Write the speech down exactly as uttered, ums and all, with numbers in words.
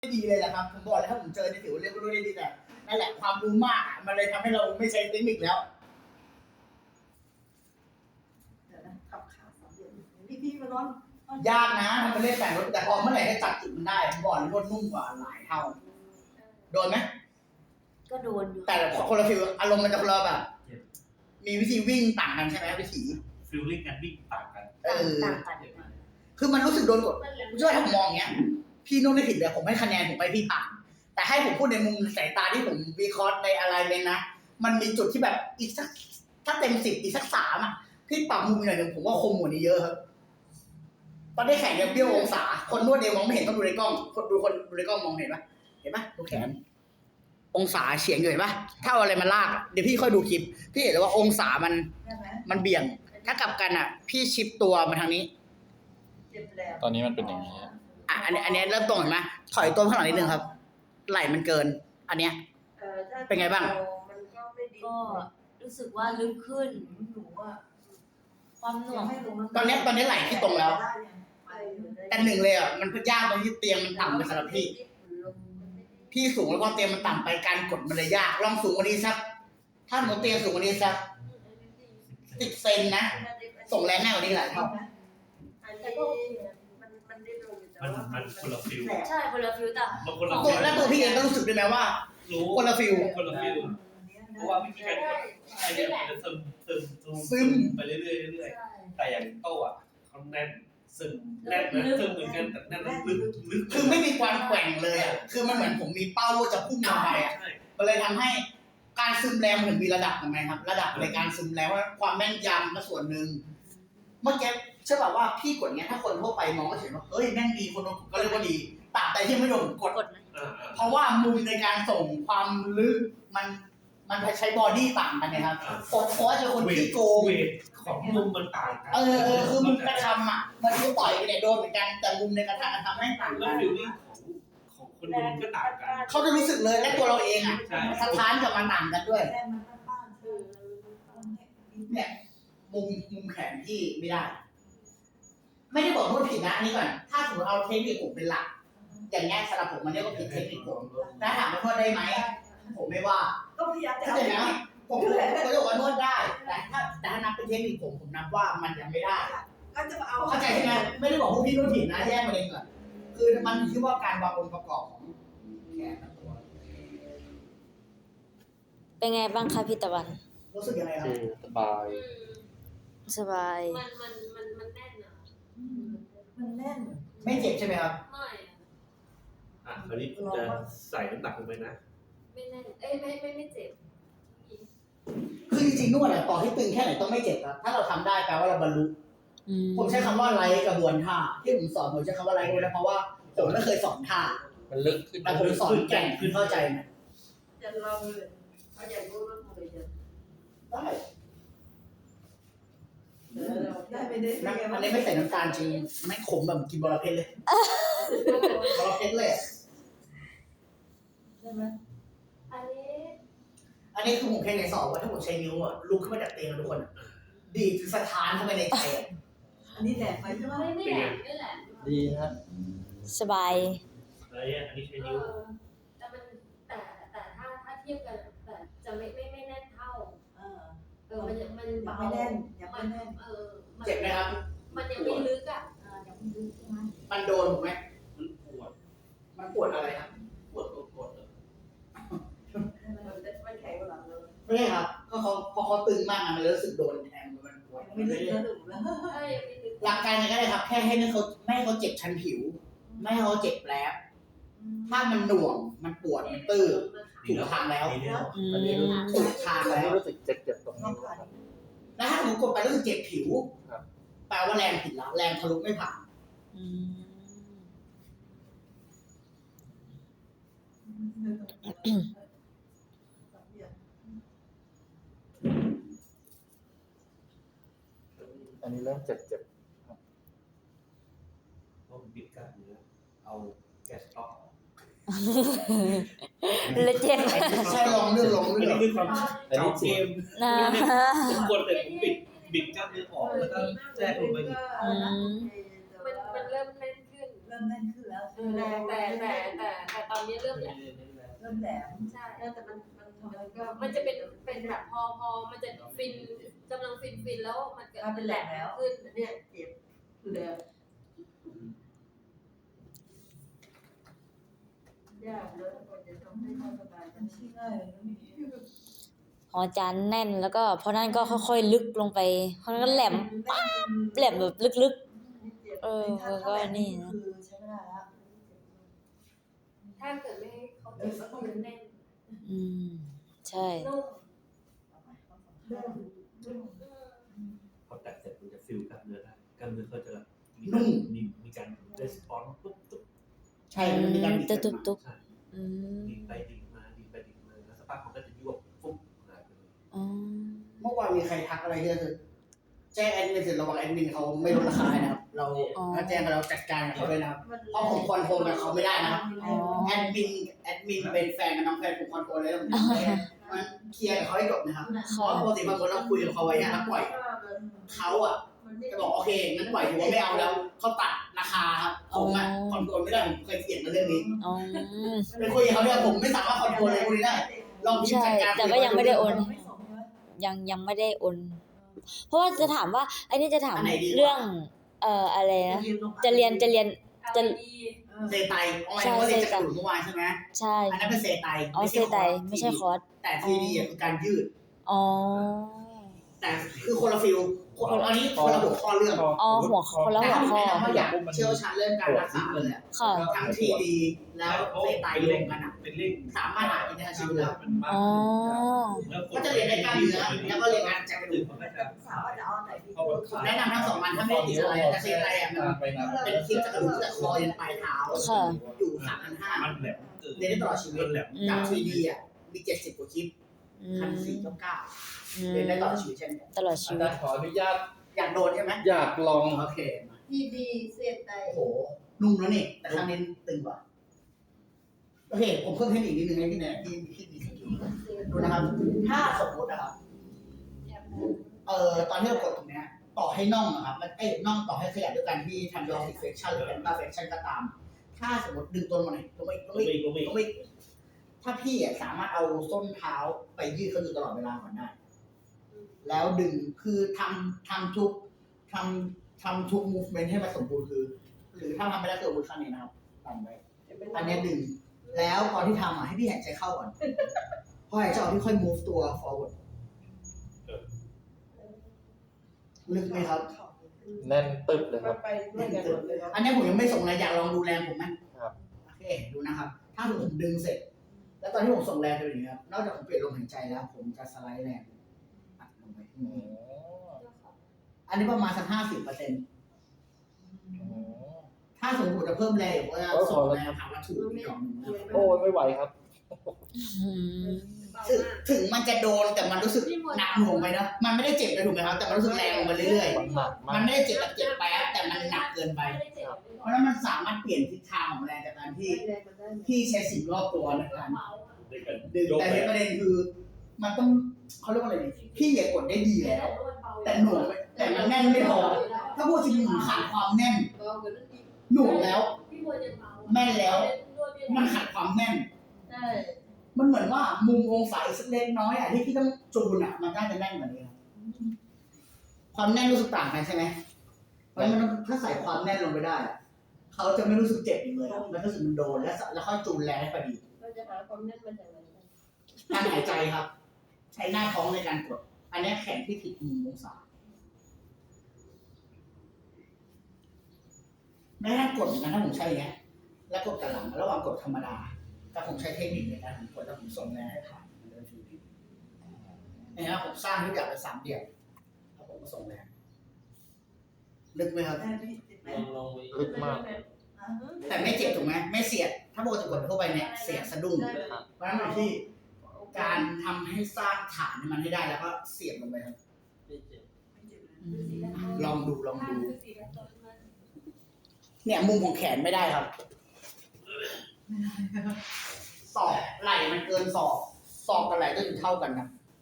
ไม่ดีเลยแหละครับผมบอกเลยถ้าผมเจอในถือว่าเรียนรู้ได้ดีแต่นั่นแหละความรู้มากมันเลยทำให้เราไม่ใช้เทคนิคแล้วเดี๋ยวนะขับขาสามเหลี่ยมพี่พี่มานอนยากนะทำเป็นเล่นแต่งรถแต่พอเมื่อไหร่ให้จับจุดมันได้ผมบอกเลยรถนุ่มกว่าหลายเท่าโดนไหมก็โดนอยู่แต่คนละฟิลอารมณ์มันจะคนละแบบมีวิธีวิ่งต่างกันใช่ไหมวิธีฟิลลิ่งการวิ่งต่างกันเออต่างกันคือมันรู้สึกโดนกดช่วยถ้าผมมองอย่างเงี้ยพี่นุ่นไม่ผิดเลยผมให้คะแนนผมไปพี่ผ่านแต่ให้ผมพูดในมุมสายตาที่ผมวิเคราะห์ในอะไรเลยนะมันมีจุดที่แบบอีกสักถ้าเต็มสิบอีกสักสามอ่ะพี่ปรับมุมหน่อยหนึ่งผมว่าคมกว่านี้เยอะครับตอนได้แข่งเนี่ยเบี้ยวองศาคนนวดเดียวมองไม่เห็นต้องดูในกล้องคนดูคนดูในกล้องมองเห็นปะเห็นปะดูแขนองศาเฉียงอยู่เห็นปะถ้าเอาอะไรมาลากเดี๋ยวพี่ค่อยดูคลิปพี่เห็นเลยว่าองศามันมันเบี่ยงถ้ากลับกันอ่ะพี่ชิปตัวมาทางนี้ตอนนี้มันเป็นอย่างนี้อ่ะอันนี้อันนี้เริ่มตรงเห็นไหมถอยตัวข้างหลังนิดนึงครับไหล่มันเกิน อันเนี้ยเป็นไงบ้างก็รู้สึกว่าลึกขึ้นความหน่วงตอนนี้ตอนนี้ไหล่ที่ตรงแล้วแต่หนึ่งเลยอ่ะมันยากตรงที่เตียงมันต่ำไปสำหรับพี่พี่สูงแล้วก็เตียงมันต่ำไปการกดมันเลยยากลองสูงกว่านี้สักถ้าหนูเตียงสูงกว่านี้สักสิบเซนนะส่งแรงง่ายกว่านี้หลายเท่ามันมันคนละฟิลใช่คนละฟิลแต่มันคนละตัวฟิลแล้วตัวพี่เองก็รู้สึกด้วยไหมว่ารู้คนละฟิลคนละฟิลเพราะว่าวิธีการกดไอเนี่ยมันจะซึมซึมซึมซึมไปเรื่อยๆเรื่อยๆแต่อย่างโต้อะเขาแน่นซึมแน่นนะซึมเหมือนกันแต่แน่นลึกลึกคือไม่มีความแกว่งเลยอ่ะคือมันเหมือนผมมีเป้าว่าจะพุ่งลงไปอ่ะมันเลยทำให้การซึมแรงมันถึงมีระดับถูกไหมครับระดับในการซึมแรงว่าความแม่นยำก็ส่วนหนึ่งเมื่อกี้เชื่อแบบว่าพี่กดเงี้ยถ้าคนทั่วไปมองก็เห็นว่าเอ้ยแม่งดีคนก็เรียกว่าดีตราบใดที่ไม่โดนกดกดนะเพราะว่ามุมในการส่งความลึกมันมันใช้บอดี้ต่างกันนะครับผมเพราะว่าเจอคนที่โกงเวทของมุมมันต่างกันเออเออคือมุมกระทำอ่ะมันคือต่อยไปเนี่ยโดนเหมือนกันแต่มุมในกระทำทำให้ต่างแล้กัวน ฟิลลิ่งของของคนดูมันก็ต่างกันเขาจะรู้สึกเลยและตัวเราเองอ่ะใช่สะท้านกับมันต่างกันด้วยเนี่ยมุมมุมแขนที่ไม่ได้ ไม่ได้บอกนวดผิดนะอันนี้ก่อนถ้าสมมติเอาเทคนิคผมเป็นหลักอย่างเงี้ยสำหรับผมมันเรียกว่าผิดเทคนิคผมถ้าถามว่านวดได้ไหมผมไม่ว่าก็พยายามจะเข้าใจไหมผมผมก็จะบอกว่านวดได้แต่ถ้าแต่ถ้านับเป็นเทคนิคผมผมนับว่ามันยังไม่ได้ก็จะเอาเข้าใจใช่ไหมไม่ได้บอกพวกพี่นวดผิดนะแยกประเด็นก่อนคือมันอยู่ที่ว่าการวางองค์ประกอบของแขนกับตัวเป็นไงบ้างคะพี่ตะวันรู้สึกยังไงครับสบายสบายมันมันมันมันแน่นอ่ะมันแน่นไม่เจ็บใช่ไหมครับไม่อะอ่ะคราวนี้ผมจะใส่น้ำหนักลงไปนะไม่แน่นเอ้ยไม่ไม่ไม่เจ็บคือจริงๆนวดอะต่อให้ตึงแค่ไหนต้องไม่เจ็บครับถ้าเราทำได้แปลว่าเราบรรลุอืมผมใช้คำว่าไร้กระบวนท่าที่ผมสอนผมใช้คำว่าไร้กระบวนท่าเพราะว่าผมไม่เคยสอนท่ามันลึกขึ้นแต่ผมสอนแก่งคือเข้าใจไหมจะลองเลยเอาอย่างรู้รถเลยจะได้ได้ไปได้น้ำอันนี้ไม่ใส่น้ำตาลจริงไม่ขมแบบกินบอระเพ็ดเลยบอระเพ็ดเลยใช่ไหมอันนี้อันนี้คือผมแค่ในสอบว่าถ้าผมใช้นิ้วอ่ะลุกขึ้นมาจากเตียงทุกคนอะดีดสถานเข้าไปในใจอ่ะอันนี้แหลกไปใช่ไหมไม่ไม่แหละไม่แหละดีฮะสบายอะไรอ่ะอันนี้ใช้เอนิ้วอแต่มันแต่แต่ถ้าถ้าเทียบกันแต่จะไม่ไม่ไม่แน่นเท่าเออเออมันยังมันยังไม่แน่นยังไม่แน่นเออมันเจ็บไหมครับมันยังไม่ลึกอ่ะอ่ายังไม่รู้ใช่ไหมมันโดนถูกไหมมันปวดมันปวดอะไรครับปวดตัวกดอะมันแข็งกว่าหลังเลยไม่ใช่ครับก็เขาพอเขาตึงมากอะมันรู้สึกโดนแทงมันปวดไม่ลึกแล้วถูกแล้วใช่ยังไม่ลึกหลักการยังไงก็ได้ครับแค่ให้ไม่เขาไม่ให้เขาเจ็บชั้นผิว ไม่ให้เขาเจ็บแผลบถ้ามันหน่วงมันปวดมันตื้อ ถูกทางแล้วดีแล้วอืมถูกทางอันแล้นี้วรู้สึกเจ็บเจ็บตรงนี้ครับแล้วถ้าผมกดไปรู้สึกเจ็บผิวครับแปลว่าแรงผิดแล้วแรงทะลุไม่ผ่านอืมอันนี้เริ่มเจ็บเจ็บต้องบิดกล้ามเนื้อเอาแก๊สออกเลยเจ็บใช่ลองเรื่องลองอันเรื่อนี้งคือความเก่าเกมนะผมกดแต่ผมบิดบิดกล้ามเนื้อออกแล้วก็แทรกลงไปอีกมันมันเริ่มแน่นขึ้นเริ่มแน่นขึ้นแล้วแต่แต่แต่แต่แต่ตอนนี้เริ่มแหลมเริ่มแหลมใช่แต่มันมันมันก็มันจะเป็นเป็นแบบพอพอมันจะฟินกำลังฟินฟินแล้วมันเกิดเป็นแหลมแล้วขึ้นเนี่ยเจ็บเลยยากเลยกว่าจะทำให้เขาสบายมันไม่ง่ายเลยนะพี่ของอาจารย์แน่นแล้วก็พอนั้นก็ค่อยๆลึกลงไปเพราะนั้นก็แหลมป๊าบแหลมแบบลึกๆ เออแล้วก็นี่นะคือใช้ไม่ได้แล้วถ้าเกิดไม่ให้เขาเจ็บก็คือแน่นอืม ใช่นุ่มพอตัดเสร็จมันจะฟิลกล้ามเนื้อได้กล้ามเนื้อก็จะมีนุ่มมีมีการรีสปอนส์ปุ๊บปุ๊บใช่มันมีการบิดจะเกิดตุมาบใช่ๆอืมดิ่งไปดิ่งมาดิ่งไปดิ่งมาแล้วสักพักมันก็จะยวบปุ๊บหายไปเลยอ๋อเมื่อวานมีใครทักอะไรเยอะคือแจ้งแอดมินเสร็จระวังแอดมินเขาไม่ลดราคานะครับ เราถ้าแจ้งเราจัดการกับเขาด้วยนะครับเพราะผมคอนโทรลกับเขาไม่ได้นะครับอ๋อแอดมินแอดมินเป็นแฟนกับน้องแฟนผมคอนโทรลเลยผมมันเคลียร์กับเขาให้จบนะครับเพค่ะราะปกติบางคนเราคุยกับเขาไว้อะแล้วปล่อยเขาอ่ะจะบอกโอเคงั้นปล่อยถือว่าไม่เอาแล้วเขาตัดราคาครับผมอ่ะคอนโทรลไม่ได้ผมเคยเถียงกันเรื่องนี้อ๋อไปคุยกับเขาเนี่ยผมไม่สามารถคอนโทรลอะไรพวกนี้ได้ลองพิมพ์ใช่จัดการแต่ก็ยังไม่ได้โอนไม่ส่งใช่ไหมยังยังไม่ได้โอน เพราะว่าจะถามว่าไอ้นี่จะถามอันไหนดีกว่าเรื่อง เอ่ออะไรนะ จะเรียนจะเรียน จะดีเซไตออนไลน์ว่าเรียนจากกลุ่มเมื่อวานใช่ไหมใช่อันนั้นเป็นเซไตอ๋อเซไตไม่ใช่คอร์สแต่ทีดีคือการยืดอ๋อแต่คือคนละฟิลอันนี้คนละหัวข้อเรื่องอ๋อหัวคนละแต่หัวถ้าผมข้อแนะนำว่าอยากเชี่ยวชาญเรื่องการรักษาเลยอะค่ะทั้งทีดีแล้วเซไตรวมกันอะเป็นเร่งสามารถหาอินเทอร์เน็ตชิลเลยมันมากอ๋อก็จะเรียนได้กล้ามเนื้อแล้วก็เรียนการจัดกระดูกมันก็จะสาวอาจจะเอาไหนดีแนะนำทั้งสองมันถ้าไม่ได้ติดอะไรแต่เซไตอะมันไปนะเป็นคลิปจัดกระดูกตั้งแต่คอยันปลายเท้าค่ะอยู่สามพันห้ามันแหลมเกินเรียนได้ตลอดชีวิตแหลมอืมจากทีดีอ่ะมีเจ็ดสิบกว่าคลิปอืพันมสี่เก้าเก้าอืมเรียนได้ตลอดชีวิตเช่นกันตลอดอาชีวิจาตรย์ขออนุญาตอยากโดนใช่ไหมอยากลองโอเคมาดีดีเสียใจโอ้โหนุ่มแล้วนี่แต่ครั้งนี้ตึงกว่าโอเคผมเพิ่มเทคนิคนิดนึงให้พี่แนนที่ที่มีสกิลดูนะครับ ถ้าสมมตินะครับเอ่อตอนที่เรากดตรงเนี้ยต่อให้น่องนะครับมันเอ้ยน่องต่อให้ขยับด้วยกันที่ทำยอร์ซิกเฟคชั่นหรือแอนตาเฟคชั่นก็ตาม ถ้าสมมติดึงตัวมาหน่อยตัวไม่ตัวก็ไม่มีก็มีก็ไม่ถ้าพี่อะสามารถเอาส้นเท้าไปยืดเขาอยู่ตลอดเวลาก่อนได้ แล้วดึงคือทำทำทุกทำทำทุก movement ให้มันสมบูรณ์คือ หรือถ้าทำไม่ได้คือมือข้างนี้นะครับทำไว้อันเนี้ยดึง แล้วตอนที่ทำอ่ะให้พี่หายใจเข้าก่อนพอหายใจออกพี่ค่อย move ตัว forward ลึกไหมครับแน่นตึบเลยครับไปด้วยกันหมดเลยอันนี้ผมยังไม่ส่งเลยอยากลองดูแรงผมไหมครับโอเคดูนะครับ ถ้าผมดึงเสร็จ แล้วตอนที่ผมส่งแรงไปอย่างนี้ครับนอกจากผมเปลี่ยนลมหายใจแล้ว ผมจะสไลด์แรงอัดลงไปอ๋ออันนี้ประมาณสักห้าสิบเปอร์เซ็นต์อ๋อถ้าสมมติจะเพิ่มแรงผมจะส่งแรงผ่านวัตถุอีกอย่างหนึ่งนะครับโอ้ยไม่ไหวครับอืมถึงถึงมันจะโดนแต่มันรู้สึกหนักหน่วงไปนะมันไม่ได้เจ็บเลยถูกไหมครับ แต่มันรู้สึกแรงลงไปเรื่อยมันหนักๆมามักนไม่ได้เจ็บแบบเจ็บแป๊บแต่มันหนักเกินไป เพราะฉะนั้นมันสามารถเปลี่ยนทิศทางของแรงจากการที่ที่ใช้สิ่งรอบตัวในการในการดึงยกแต่ไปในประเด็นคือ มันต้องเขาเรียกว่าอะไรดีพี่อย่ากดได้ดีแล้ว แต่หน่วงไปแต่มันแน่นไม่พอถ้าพูดจริงๆมันขาดความแน่นหน่วงแล้ว แม่นแล้ว มันขาดความแน่นใช่มันเหมือนว่ามุมองศาอีกสักเล็กน้อยอ่ะที่พี่ต้องจูนอ่ะมันน่าจะแน่นกว่านี้ครับความแน่นรู้สึกต่างกันใช่ไหมเพราะฉะนั้นมันต้องถ้าใส่ความแน่นลงไปได้อะเขาจะไม่รู้สึกเจ็บอีกเลยอะมันรู้สึกมันโดนแล้วแล้วค่อยจูนแรงให้พอดีเราจะหาความแน่นมาจากไหนการหายใจครับ ใช้หน้าท้องในการกด อันนี้แขนที่ผิดมุมองศาแม้ถ้ากดเหมือนกันถ้าผมใช้อย่างเงี้ยแล้วกดกระหลังระหว่างกดธรรมดาแต่ผมใช้เทคนิคในการผมกดแล้วผมส่งแรงให้ผ่านมันเดินทีนี้นะครับผมสร้างทุกอย่างเป็นสามเหลี่ยมแล้วผมก็ส่งแรงลึกไหมครับแม่พี่ติดไหมลองลองไปลึกมากแต่ไม่เจ็บถูกไหมไม่เสียด ถ้าปกติกดเข้าไปเนี่ยเสียดสะดุ้งเพราะฉะนั้นอยู่ที่การทำให้สร้างฐานให้มันให้ได้แล้วก็เสียบลงไปครับ ลองดูลองดู เนี่ยมุมของแขนไม่ได้ครับศอกไหล่มันเกินศอกศอกกับไหล่ก็อยู่เท่ากันครับ